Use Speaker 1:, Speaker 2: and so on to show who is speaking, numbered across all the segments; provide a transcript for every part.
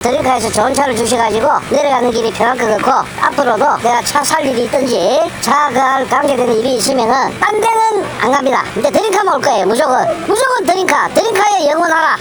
Speaker 1: 드림카에서 좋은 차를 주셔가지고 내려가는 길이 편할 것 같고, 앞으로도 내가 차 살 일이 있든지 차가 관계되는 일이 있으면은 딴 데는 안 갑니다. 이제 드림카만 올 거예요. 무조건 드림카에 영원하라.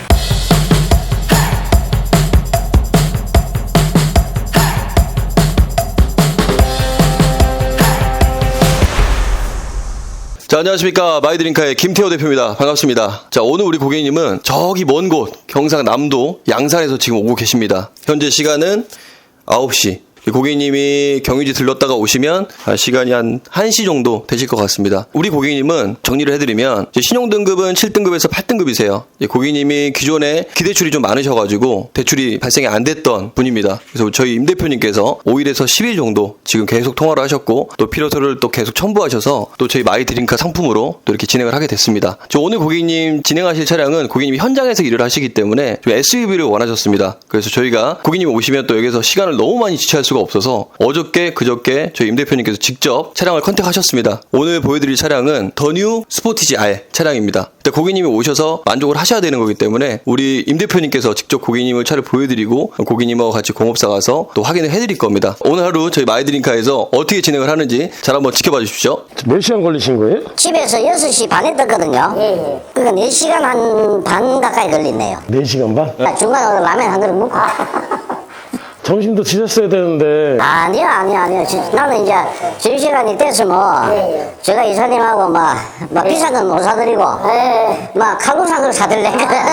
Speaker 2: 자, 안녕하십니까. 마이드림카의 김태호 대표입니다. 반갑습니다. 자, 오늘 우리 고객님은 저기 먼 곳 경상남도 양산에서 지금 오고 계십니다. 현재 시간은 9시. 고객님이 경유지 들렀다가 오시면 시간이 한 1시 정도 되실 것 같습니다. 우리 고객님은 정리를 해드리면 신용등급은 7등급에서 8등급이세요. 고객님이 기존에 기대출이 좀 많으셔가지고 대출이 발생이 안 됐던 분입니다. 그래서 저희 임 대표님께서 5일에서 10일 정도 지금 계속 통화를 하셨고, 또 필요서를 또 계속 첨부하셔서 또 저희 마이드림카 상품으로 또 이렇게 진행을 하게 됐습니다. 오늘 고객님 진행하실 차량은 고객님이 현장에서 일을 하시기 때문에 좀 SUV를 원하셨습니다. 그래서 저희가 고객님이 오시면 또 여기서 시간을 너무 많이 지체할 수가 없어서 어저께 그저께 저희 임 대표님께서 직접 차량을 컨택하셨습니다. 오늘 보여드릴 차량은 더 뉴 스포티지 R 차량입니다. 고객님이 오셔서 만족을 하셔야 되는 거기 때문에 우리 임 대표님께서 직접 고객님을 차를 보여드리고 고객님하고 같이 공업사 가서 또 확인을 해드릴 겁니다. 오늘 하루 저희 마이드림카에서 어떻게 진행을 하는지 잘 한번 지켜봐 주십시오.
Speaker 3: 몇 시간 걸리신 거예요?
Speaker 1: 집에서 6시 반에 떴거든요. 그러니까 4시간 한 반 가까이 걸리네요.
Speaker 3: 4시간 반?
Speaker 1: 중간에 라면 한 그릇 먹고.
Speaker 3: 점심도 드셨어야 되는데.
Speaker 1: 아니요. 나는 이제 점심시간이 됐으면 제가 이사님하고 막 비싼 건 못 사드리고 막 칼국수한 그릇 사드릴래.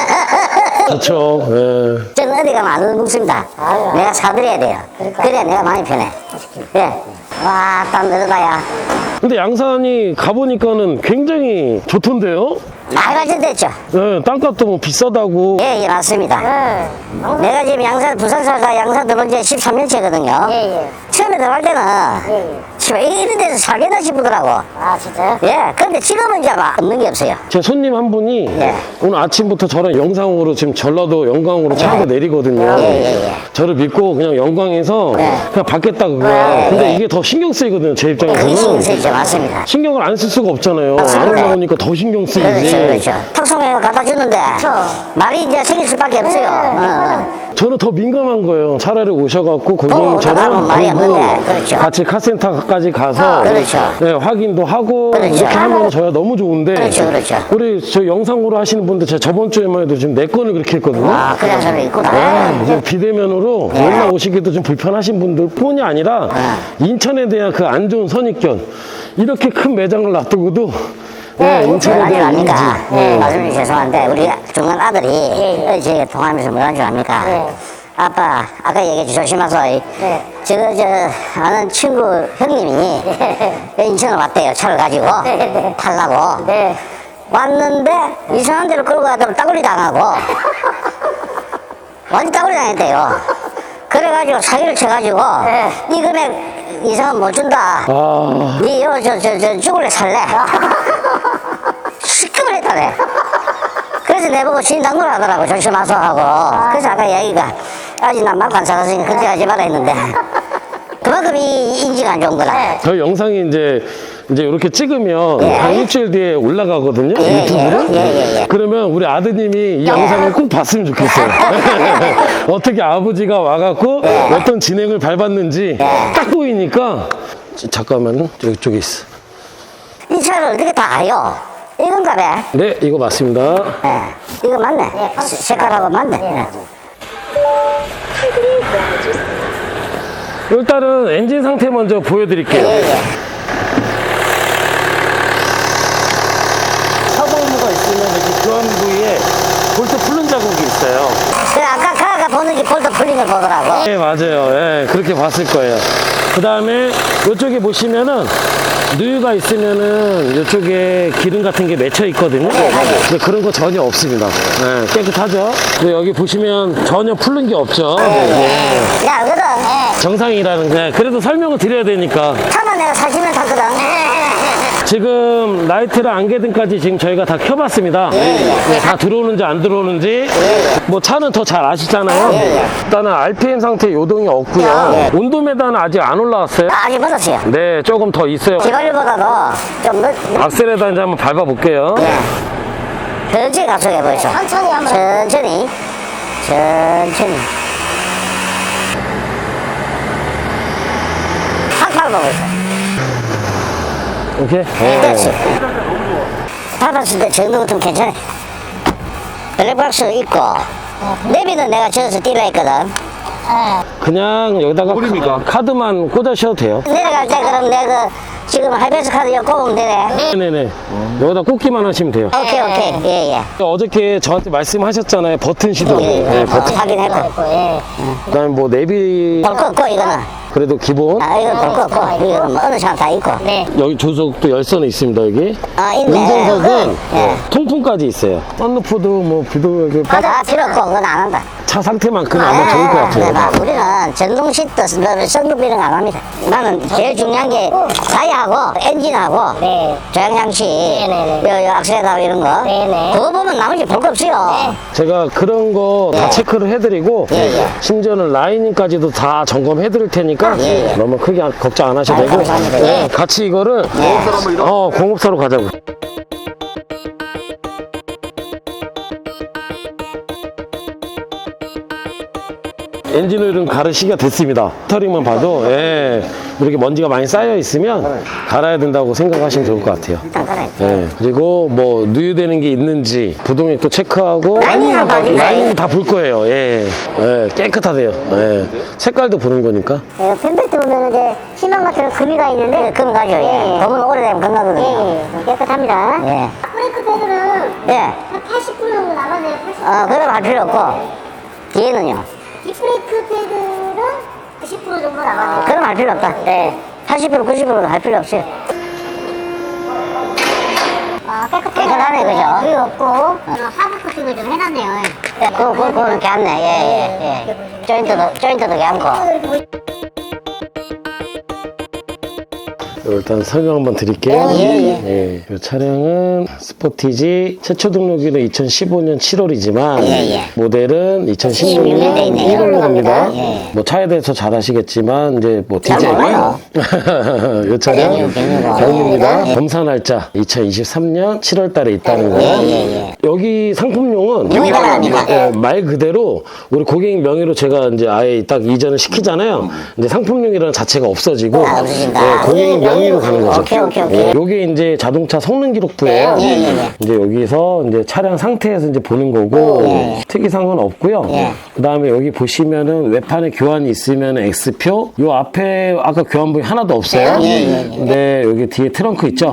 Speaker 3: 그렇죠. 예.
Speaker 1: 저는 어디 가면 안 먹습니다. 내가 사드려야 돼요. 그래야 내가 많이 편해. 그래. 와, 땀 늘어가야.
Speaker 3: 근데 양산이 가보니까는 굉장히 좋던데요?
Speaker 1: 많이 발전됐죠?
Speaker 3: 예, 땅값도 뭐 비싸다고.
Speaker 1: 예, 맞습니다. 내가 지금 양산, 부산 살다 양산 들어온 지 13년째거든요. 처음에 들어갈 때는 이런 데서 살겠나 싶더라고. 아, 진짜요? 예, 근데 지금은 이제 막 없는 게 없어요.
Speaker 3: 제 손님 한 분이 오늘 아침부터 저랑 영상으로 지금 전라도 영광으로 차가 내리거든요. 저를 믿고 그냥 영광에서 그냥 받겠다고. 근데 이게 더 신경 쓰이거든요, 제
Speaker 1: 그게
Speaker 3: 입장에서는.
Speaker 1: 신경 쓰이죠, 맞습니다.
Speaker 3: 신경을 안 쓸 수가 없잖아요.
Speaker 1: 맞습니다.
Speaker 3: 안 올라오니까 더 신경 쓰이지.
Speaker 1: 그렇죠. 탁송해서 갖다 주는데 말이 이제 생길 수밖에 없어요.
Speaker 3: 저는 더 민감한 거예요. 차라리 오셔갖고
Speaker 1: 사람은
Speaker 3: 고객님처럼
Speaker 1: 말이 없는데, 그렇죠.
Speaker 3: 같이 카센터까지 가서
Speaker 1: 그렇죠.
Speaker 3: 네, 확인도 하고
Speaker 1: 그렇죠.
Speaker 3: 이렇게 하면 저야 너무 좋은데
Speaker 1: 그렇죠.
Speaker 3: 우리 저 영상으로 하시는 분들 제가 저번 주에만 해도 지금 4건을 그렇게 했거든요.
Speaker 1: 아, 그냥 저는 있구나.
Speaker 3: 네, 이제 비대면으로 올라오시기도 좀 불편하신 분들 뿐이 아니라 인천에 대한 그 안 좋은 선입견, 이렇게 큰 매장을 놔두고도 인천에
Speaker 1: 아니
Speaker 3: 대한 이미지.
Speaker 1: 압니까? 말씀이 죄송한데 우리 중간 아들이 제가 통화하면서 뭐라는 줄 압니까? 아빠, 아까 얘기해 조심하소. 아는 친구 형님이 인천을 왔대요. 차를 가지고 타려고. 왔는데 이상한 데로 끌고 가다 따돌리 당하고 완전 따돌리 당했대요. 그래가지고 사기를 쳐가지고 이 금액 이상은 못 준다. 니 죽을래 살래? 시급을 했다네. 그래서 내보고 진당을 하더라고. 조심하소 하고. 그래서 아까 얘기가 아직 난 말도 안 사갔으니까 그렇게 하지 마라 했는데 그만큼 이 인지가 안 좋은 거라.
Speaker 3: 저 영상이 이제 이렇게 찍으면 한 일주일 뒤에 올라가거든요. 유튜브로. 그러면 우리 아드님이 이 영상을 꼭 봤으면 좋겠어요. 어떻게 아버지가 와갖고 어떤 진행을 밟았는지 딱 보이니까. 잠깐만요. 이쪽에 있어.
Speaker 1: 이 차를 어떻게 다 알요? 이건가 봐.
Speaker 3: 네, 이거 맞습니다.
Speaker 1: 이거 맞네. 색깔하고 맞네.
Speaker 3: 일단은 엔진 상태 먼저 보여드릴게요. 사고무가 있으면 이렇게 교환 부위에 볼트 풀른 자국이 있어요.
Speaker 1: 그래, 아까 가가 보는 게 볼트 풀린 걸 보더라고.
Speaker 3: 네, 맞아요. 그렇게 봤을 거예요. 그 다음에 이쪽에 보시면은 누유가 있으면은 이쪽에 기름 같은 게 맺혀 있거든요. 근데 그런 거 전혀 없습니다. 깨끗하죠. 근데 여기 보시면 전혀 풀른 게 없죠.
Speaker 1: 야, 그거든.
Speaker 3: 정상이라는 게. 그래도 설명을 드려야 되니까.
Speaker 1: 차만 내가 40년 탔거든.
Speaker 3: 지금 라이트랑 안개등까지 지금 저희가 다 켜봤습니다. 다 들어오는지 안 들어오는지. 뭐 차는 더 잘 아시잖아요. 일단은 RPM 상태 요동이 없고요. 온도메다는 아직 안 올라왔어요.
Speaker 1: 아직 멀었어요.
Speaker 3: 네, 조금 더 있어요.
Speaker 1: 기관류보다도 좀
Speaker 3: 악셀에다 이제 한번 밟아볼게요.
Speaker 1: 천천히 가속해 보이소. 천천히. 밟아보고 있어.
Speaker 3: 오케이.
Speaker 1: 그렇지. 밟았을 때 정도 같으면 괜찮아. 블랙박스 있고, 내비는 내가 저어서 띄려 했거든.
Speaker 3: 그냥 여기다가 카드만 꽂으셔도 돼요.
Speaker 1: 내려갈 때 그럼 내가 지금 하이패스 카드 여 꼽으면 되네.
Speaker 3: 네네네. 여기다 꽂기만 하시면 돼요.
Speaker 1: 오케이, 오케이. 예, 예.
Speaker 3: 어저께 저한테 말씀하셨잖아요. 버튼 시동. 네, 버튼.
Speaker 1: 확인했고. 예.
Speaker 3: 그다음에 뭐 내비
Speaker 1: 볼 거 없고, 이거는.
Speaker 3: 그래도 기본.
Speaker 1: 아, 이거 볼 거 없고. 이거 뭐 어느 차다 있고. 네.
Speaker 3: 여기 조석도 열선이 있습니다. 여기.
Speaker 1: 아, 있네.
Speaker 3: 운전석은
Speaker 1: 예.
Speaker 3: 통풍까지 있어요. 썬루프도 뭐 비도 이렇게
Speaker 1: 아, 필요 없고, 그건 안 한다.
Speaker 3: 차 상태만큼 아마 좋을 것
Speaker 1: 네, 봐.
Speaker 3: 같아요.
Speaker 1: 우리는 전동 시트, 썬루프 이런 거 안 합니다. 나는 제일 중요한 게 타이어하고 엔진하고 조향장치, 요 악셀하고 이런 거. 그거 보면 나머지 볼 거 없어요.
Speaker 3: 제가 그런 거 다 체크를 해드리고 심지어는 라이닝까지도 다 점검해드릴 테니까 너무 크게 걱정 안 하셔도 되고
Speaker 1: 감사합니다.
Speaker 3: 네, 같이 이거를 공업사로 가자고. 엔진오일은 가를 시기가 됐습니다. 스터링만 봐도 이렇게 먼지가 많이 쌓여 있으면 갈아야 된다고 생각하시면 좋을 것 같아요.
Speaker 1: 일단 깔아야
Speaker 3: 예, 그리고 뭐 누유되는 게 있는지 부동액도 체크하고
Speaker 1: 라이닝은 봐주세요.
Speaker 3: 라이닝 다 볼 거예요. 깨끗하대요. 색깔도 보는 거니까.
Speaker 1: 펜벨트 보면 이제 희망 같은 금이가 있는데 금 가죠. 검은 오래되면 금 나거든요. 깨끗합니다.
Speaker 4: 브레이크 패드는
Speaker 1: 예.
Speaker 4: 한 80% 정도 남았네요. 80%.
Speaker 1: 그럼 할 필요 없고 뒤에는요.
Speaker 4: 뒷브레이크 패드는 90% 정도 남았네요.
Speaker 1: 그럼 할 필요 없다. 80% 90%도 할 필요 없어요. 깨끗하네, 그죠?
Speaker 4: 그게 없고 하부 코팅을 좀 해놨네요.
Speaker 1: 그거는 괜찮네. 조인트도 괜찮고.
Speaker 3: 일단 설명 한번 드릴게요. 이 차량은 스포티지 최초 등록일은 2015년 7월이지만 모델은 2016년 1월로 갑니다. 뭐 차에 대해서 잘 아시겠지만 이제 뭐 디젤
Speaker 1: 몰라요.
Speaker 3: 이 차량 경입니다. 검사 날짜 2023년 7월 달에 있다는 거. 여기 상품용은 말 그대로 우리 고객님 명의로 제가 이제 아예 딱 이전을 시키잖아요. 이제 상품용이라는 자체가 없어지고 고객님 명의로 가는 거죠.
Speaker 1: 오케이.
Speaker 3: 요게 이제 자동차 성능 기록부예요. 이제 여기서 이제 차량 상태에서 이제 보는 거고 특이사항은 없고요. 그다음에 여기 보시면은 외판에 교환이 있으면 X표. 요 앞에 아까 교환부위 하나도 없어요. 근데 여기 뒤에 트렁크 있죠.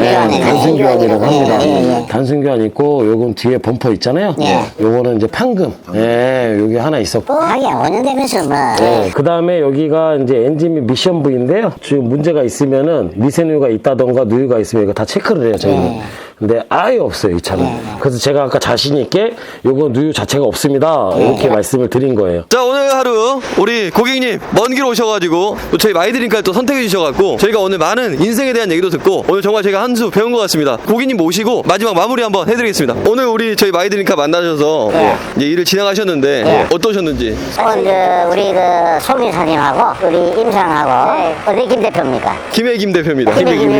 Speaker 3: 단순 교환이라고 합니다. 단순 교환 있고 요건 뒤에 범퍼 있잖아요. 요거는 이제 판금. 여기 하나 있었고.
Speaker 1: 하긴 5년 되면서 뭐.
Speaker 3: 그다음에 여기가 이제 엔진 및 미션 부위인데요. 지금 문제가 있으면은 미세누유가 있다던가 누유가 있으면 이거 다 체크를 해요, 저희는. 근데 아예 없어요, 이 차는. 그래서 제가 아까 자신있게 요거 누유 자체가 없습니다. 이렇게 말씀을 드린 거예요.
Speaker 2: 자, 오늘 하루 우리 고객님 먼 길 오셔가지고 또 저희 마이드링카를 또 선택해 주셔가지고 저희가 오늘 많은 인생에 대한 얘기도 듣고 오늘 정말 제가 한 수 배운 것 같습니다. 고객님 모시고 마지막 마무리 한번 해드리겠습니다. 오늘 우리 저희 마이드링카 만나셔서 이제 일을 진행하셨는데 어떠셨는지.
Speaker 1: 오늘 우리 그 송인사님하고 우리 임상하고 어디 김 대표입니까?
Speaker 2: 김혜김 대표입니다.
Speaker 1: 김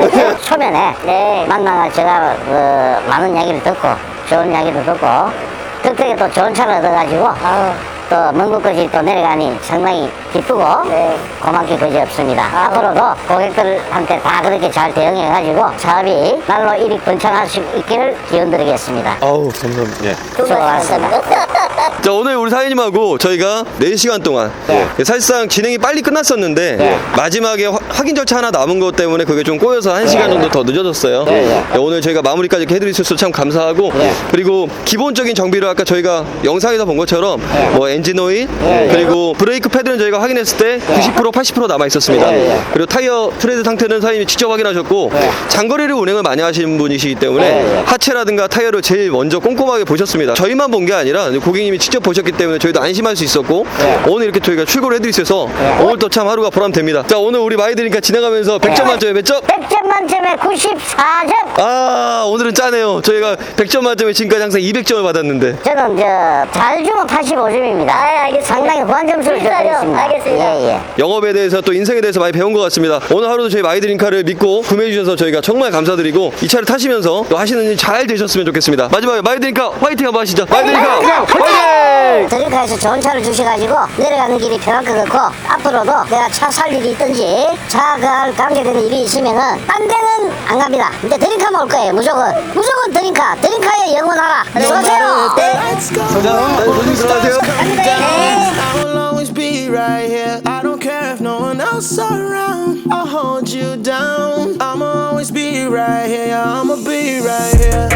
Speaker 1: 초면에 만나가 제가 많은 이야기를 듣고 좋은 이야기를 듣고 덕택에 또 좋은 차를 얻어가지고 또 먼 곳까지 또 내려가니 상당히 기쁘고 고맙게 그지없습니다. 앞으로도 고객들한테 다 그렇게 잘 대응해가지고 사업이 날로 일이 번창할 수 있기를 기원드리겠습니다.
Speaker 2: 아우, 감사합니다.
Speaker 1: 수고하셨습니다.
Speaker 2: 자, 오늘 우리 사장님하고 저희가 4시간 동안 사실상 진행이 빨리 끝났었는데 마지막에 확인 절차 하나 남은 것 때문에 그게 좀 꼬여서 1시간 정도 더 늦어졌어요. 오늘 저희가 마무리까지 이렇게 해드릴 수 있어서 참 감사하고 그리고 기본적인 정비를 아까 저희가 영상에서 본 것처럼 뭐 엔진 오일 그리고 브레이크 패드는 저희가 확인했을 때 90% 80% 남아 있었습니다. 그리고 타이어 트레드 상태는 사장님이 직접 확인하셨고 장거리를 운행을 많이 하시는 분이시기 때문에 하체라든가 타이어를 제일 먼저 꼼꼼하게 보셨습니다. 저희만 본 게 아니라 고객님이 직접 보셨기 때문에 저희도 안심할 수 있었고 오늘 이렇게 저희가 출고를 해드릴 수 있어서 오늘 또 참 하루가 보람됩니다. 자, 오늘 우리 마이드링카 지나가면서 100점 만점에 몇 점?
Speaker 1: 100점 만점에 94점.
Speaker 2: 아, 오늘은 짜네요. 저희가 100점 만점에 지금까지 항상 200점을 받았는데
Speaker 1: 저는 잘 주면 85점입니다. 있습니다.
Speaker 4: 알겠습니다.
Speaker 1: 상당히 호환 점수를 드리겠습니다.
Speaker 4: 알겠습니다.
Speaker 1: 예, 예.
Speaker 2: 영업에 대해서 또 인생에 대해서 많이 배운 것 같습니다. 오늘 하루도 저희 마이드링카를 믿고 구매해 주셔서 저희가 정말 감사드리고 이 차를 타시면서 또 하시는 일 잘 되셨으면 좋겠습니다. 마지막에 마이드링카 화이팅 한번 하시죠. 마이드링카 화이팅!
Speaker 1: 드림카에서 좋은 차를 주셔가지고 내려가는 길이 편할 것 같고 앞으로도 내가 차 살 일이 있든지 차가 관계되는 일이 있으면은 딴 데는 안 갑니다. 근데 드림카만 올 거예요. 무조건 드림카에 영원하라. 수고하세요. 네.
Speaker 2: 조심 들어가세요.
Speaker 5: I will always be right here. I don't care if no one else around. I'll hold you down. I'ma always be right here. I'ma be right here.